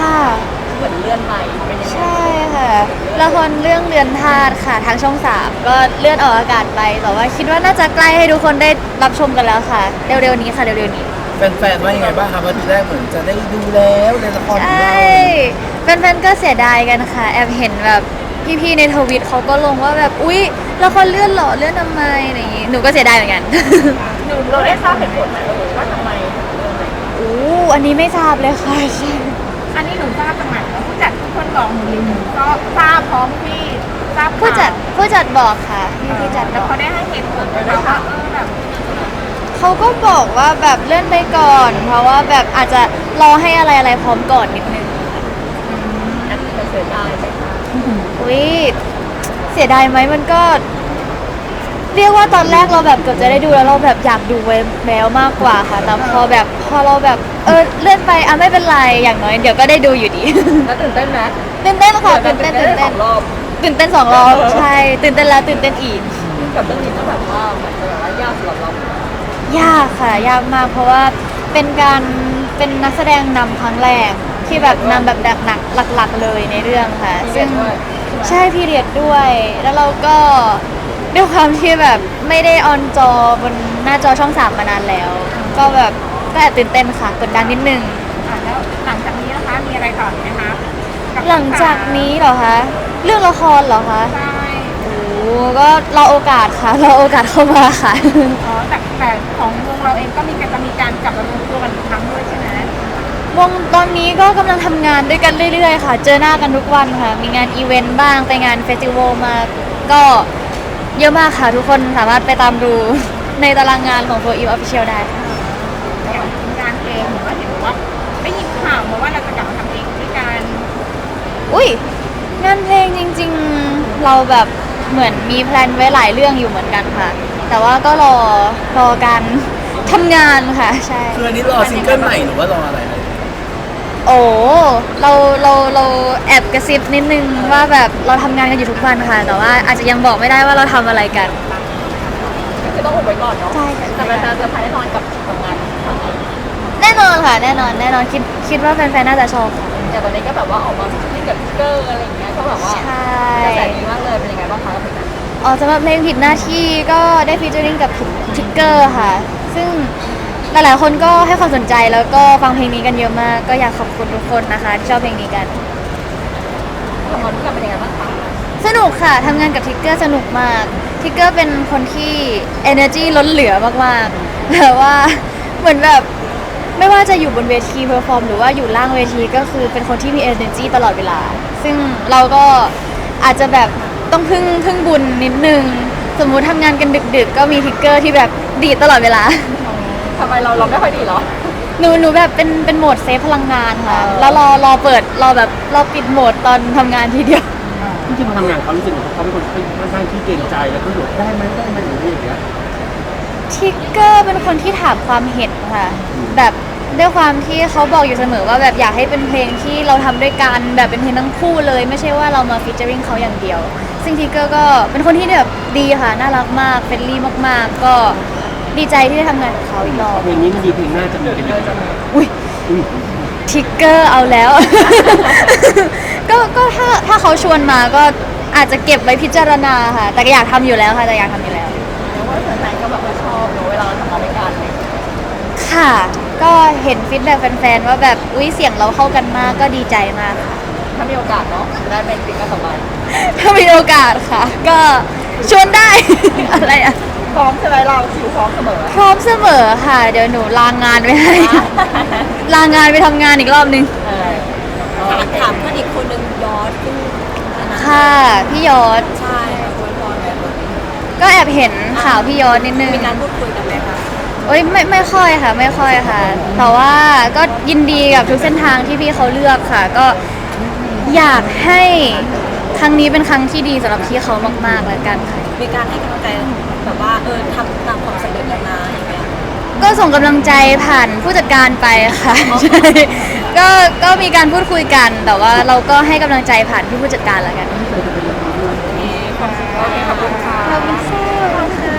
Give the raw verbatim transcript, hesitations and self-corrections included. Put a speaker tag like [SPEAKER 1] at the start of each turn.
[SPEAKER 1] เหมือนเลื่อนไปเป็นยังไง
[SPEAKER 2] ใช่ค่ะละครเรื่องเรือนธาตุค่ะทางช่องสามก็เลื่อนออกอากาศไปแต่ว่าคิดว่าน่าจะใกล้ให้ทุกคนได้รับชมกันแล้วค่ะเร็วๆนี้ค่ะเร็วๆนี้
[SPEAKER 3] แฟนๆว่ายังไงบ้างครับว่าทีแรกเหมือนจะได้ดูแล้วในละคร
[SPEAKER 2] ใช
[SPEAKER 3] ของเรา
[SPEAKER 2] ่แฟนๆก็เสียดายกันค่ะแอบเห็นแบบพี่ๆในทวิตเขาก็ลงว่าแบบอุ๊ยละครเลื่อนเหรอเลื่อนทำไมอะไรอย่างงี้หนูก็เสียดายเหมือนกัน
[SPEAKER 1] หนูเราได้ทราบเหตุผลไหมเออว่าทำไมถึงเลื่อนไป
[SPEAKER 2] อู้อันนี้ไม่ทราบเลยค่ะใช่
[SPEAKER 4] อันนี้หนูทราบจากไหนแล้วผู้จัดทุกคนบอกหนูเลยหนูก็ทราบพร้อมพี่ทราบข่าว
[SPEAKER 2] ผู้จัดผู้จัดบอกค่ะพี่ผู้จัดบ
[SPEAKER 4] แล้ว
[SPEAKER 2] อก
[SPEAKER 4] เขาได้ให้เหตุผลไหมคะว่าเออแบบ
[SPEAKER 2] เขาก็บอกว่าแบบเลื่อนไปก่อน เพราะว่าแบบอาจจะรอให้อะไรอะไรพร้อมก่อนนิดนึง
[SPEAKER 1] อันนี้เสียดายไหมคะ
[SPEAKER 2] อุ้ยเสียดายไหมมันก็ เรียกว่าตอนแรกเราแบบเกือบจะได้ดูแล้วเราแบบอยากดูไว้แล้วมากกว่าค่ะแต่พอแบบพอเราแบบเออเลื่อนไปอ่ะไม่เป็นไรอย่างน้อยเดี๋ยวก็ได้ดูอยู่ดี
[SPEAKER 1] แล้วตื่นเต้นไหม
[SPEAKER 2] ตื่นเต้นค่ะตื่นเต้นตื่น
[SPEAKER 1] ส
[SPEAKER 2] เต้
[SPEAKER 1] อน งรอบ
[SPEAKER 2] ตื่นเต้นสองรอบใช่ตื่นเต้นแล้วตื่นเต้นอีก
[SPEAKER 1] กับเรื่องนี้ก็แบบว่าเหมือนจะแบบว่ายากสำหรับเรา
[SPEAKER 2] ยากค่ะยากมากเพราะว่าเป็นการเป็นนักแสดงนำครั้งแรกที่แบบนำแบบหนักๆหลักๆเลยในเรื่องค่ะซึ่งใช่พีเรียดด้วย แล้วเราก็ด้วยความที่แบบไม่ได้ออนจอบนหน้าจอช่องสามมานานแล้ว ก็แบบก็แอบตื่นเต้นค่ะกดดันนิดนึง
[SPEAKER 4] อ่ะแล้วหลังจากนี้นะคะมีอะไรต่ออีกไหมคะบ
[SPEAKER 2] หลังจากนี้เหรอคะเรื่องละครเหรอคะ
[SPEAKER 4] ใช่
[SPEAKER 2] โอ้ก็รอโอกาสค่ะรอโอกาสเข้ามาค่ะ
[SPEAKER 4] อ๋อแต่แต่ของวงเราเองก็มีการจะมีการกลับมารวมตัวกันอีกครั้งด้วยใช่ไหม
[SPEAKER 2] วงตอนนี้ก็กำลังทำงานด้วยกันเรื่อยๆค่ะ เจอหน้ากันทุกวันค่ะ มีงานอีเวนต์บ้าง ไปงานเฟสติวัลมา ก็เยอะมากค่ะ ทุกคนสามารถไปตามดู ในตารางงานของ โฟร์ อี Official ได้ค่ะ
[SPEAKER 4] อย่างงานเพลงหรือว่าเห็นบอกว่าได้ยินข่าวมาว่าเราจะกลับมาทำเพลงด้วยกัน
[SPEAKER 2] อุ้ยงานเพลงจริงๆ เราแบบเหมือนมีแพลนไว้หลายเรื่องอยู่เหมือนกันค่ะ แต่ว่าก็รอรอการทำงานค่ะ ใช่
[SPEAKER 3] คืออันนี้รอซิงเกิลใหม่หรือว่ารออะไรนะ
[SPEAKER 2] โอ้เราเราเราแอบกระซิบนิดนึงว่าแบบเราทำงานกันอยู่ทุกวันค่ะ แต่ว่าอาจจะยังบอกไม่ได้ว่าเราทำอะไรกัน
[SPEAKER 1] ก็คือต้องอุบไว้ก่อนเนาะ
[SPEAKER 2] ใช่ค่ะ
[SPEAKER 1] แต่แฟนๆจะพายแน่นอนกับกับงานครั้งนี้
[SPEAKER 2] แน่นอนค่ะ แน่นอนแน่นอนคิดคิดว่าแฟนๆน่าจะชอบค่ะ
[SPEAKER 1] อย่างตอนนี้ก็แบบว่าออกมาฟิชกับทิกเกอร์อะไรอย่างเงี้ยก็แบบว่า
[SPEAKER 2] ใช่
[SPEAKER 1] กระแสดีมากเลยเป็นยังไงบ้างคะกับเพลงนั้น
[SPEAKER 2] อ๋อสำหรับเพลงผิดหน้าที่ก็ได้ฟีเจอริ่งกับทิกเกอร์ค่ะ ซึ่งหลายๆคนก็ให้ความสนใจแล้วก็ฟังเพลงนี้กันเยอะมาก ก็อยากขอบคุณทุกคนนะคะที่ชอบเพลงนี้กัน
[SPEAKER 1] ทำงานด้วยกันเป็นยังไงบ้างคะ
[SPEAKER 2] สนุกค่ะทำงานกับทิกเกอร์สนุกมากทิกเกอร์เป็นคนที่ energy ล้นเหลือมากๆแต่ว่าเหมือนแบบไม่ว่าจะอยู่บนเวทีเพอร์ฟอร์มหรือว่าอยู่ล่างเวทีก็คือเป็นคนที่มี energy ตลอดเวลา ซึ่งเราก็อาจจะแบบต้องพึ่งพึ่งบุญนิดนึง สมมุติทำงานกันดึกๆ ก็มีทิกเกอร์ที่แบบดีดตลอดเวลา
[SPEAKER 1] ทำไมเราเราไม่ค่อยดีเหรอ
[SPEAKER 2] หนูหนูแบบเป็นเป็นโหมดเซฟพลังงานค่ะ
[SPEAKER 1] อ๋อ
[SPEAKER 2] แล้วรอรอเปิดรอแบบรอปิดโหมดตอนทำงานทีเดียว
[SPEAKER 5] จริงๆพอทำงานเขารู้สึกว่าเขาเป็นคนค่อนข้างที่เกรงใจแล้วก็หยุดได้ไหมได้ไหมหรืออะไรอย่างเงี้ย
[SPEAKER 2] ทิกเกอร์เป็นคนที่ถามความเห็นค่ะ แบบด้วยความที่เขาบอกอยู่เสมอว่าแบบอยากให้เป็นเพลงที่เราทำด้วยกันแบบเป็นเพลงทั้งคู่เลย ไม่ใช่ว่าเรามาฟีเจอริงเขาอย่างเดียว ซึ่งทิกเกอร์ก็เป็นคนที่แบบดีค่ะ น่ารักมากเฟรนลี่มากๆ ก็ดีใจที่ได้ทำงานกับเขาอีกรอบ
[SPEAKER 5] เพลงนี้มันดีเพลงหน้าจะมีกันอีกไหม
[SPEAKER 2] อุ้ย
[SPEAKER 5] อุ้ย
[SPEAKER 2] ทิกเกอร์เอาแล้ว ก็ก็ถ้าถ้าเขาชวนมาก็อาจจะเก็บไว้พิจารณาค่ะ แต่ก็อยากทำอยู่แล้วค่ะแต่อยากทำอยู่แล้ว
[SPEAKER 1] แล้วว่าแฟนๆก็แบบว่าชอบเนอะเวลาเราทำงานด้วยกันอะไรอย่างเลย
[SPEAKER 2] ค่ะ ก็เห็นฟีดแบ็กแฟนๆว่าแบบอุ้ยเสียงเราเข้ากันมากก็ดีใจมากค่ะ
[SPEAKER 1] ถ้ามีโอกาสเนาะได้เป็นฟิงก็สบาย
[SPEAKER 2] ถ้ามีโอกาสค่ะ ก็ชวนได้ อะไรอะ
[SPEAKER 1] พร้อมใช่ไหมเราคิวพร้อมเสมอ
[SPEAKER 2] พร้อมเสมอค่ะ เดี๋ยวหนูลางงานไปให้ ลางานไปทำงานอีกรอบนึง
[SPEAKER 1] เออถามถามเพื่อนอีกคนนึงยอดขึ้นนะ
[SPEAKER 2] ค่ะ พี่ยอด
[SPEAKER 1] ใช่คุยพรแบบ
[SPEAKER 2] ก็แอบเห็นข่าวพี่ยอดนิดนึง
[SPEAKER 1] มีการพูดคุยกันไหมคะ
[SPEAKER 2] โอ้ยไม่ไม่ค่อยค่ะ ไม่ค่อยค่ะ แต่ว่าก็ยินดีกับทุกเส้นทางที่พี่เขาเลือกค่ะ ก็อยากให้ครั้งนี้เป็นครั้งที่ดีสำหรับพี่เขามากๆแล้วกันค่ะ
[SPEAKER 1] มีการให้กำลังใจแบบว่าเออทำตามความสำเร็จแล้วนะอย่างเงี้ย
[SPEAKER 2] ก็ส่งกำลังใจผ่านผู้จัดการไปค่ะ ใช่ก็ก็มีการพูดคุยกัน แต่ว่าเราก็ให้กำลังใจผ่านพี่ผู้จัดการแล้วกัน
[SPEAKER 5] ปกติ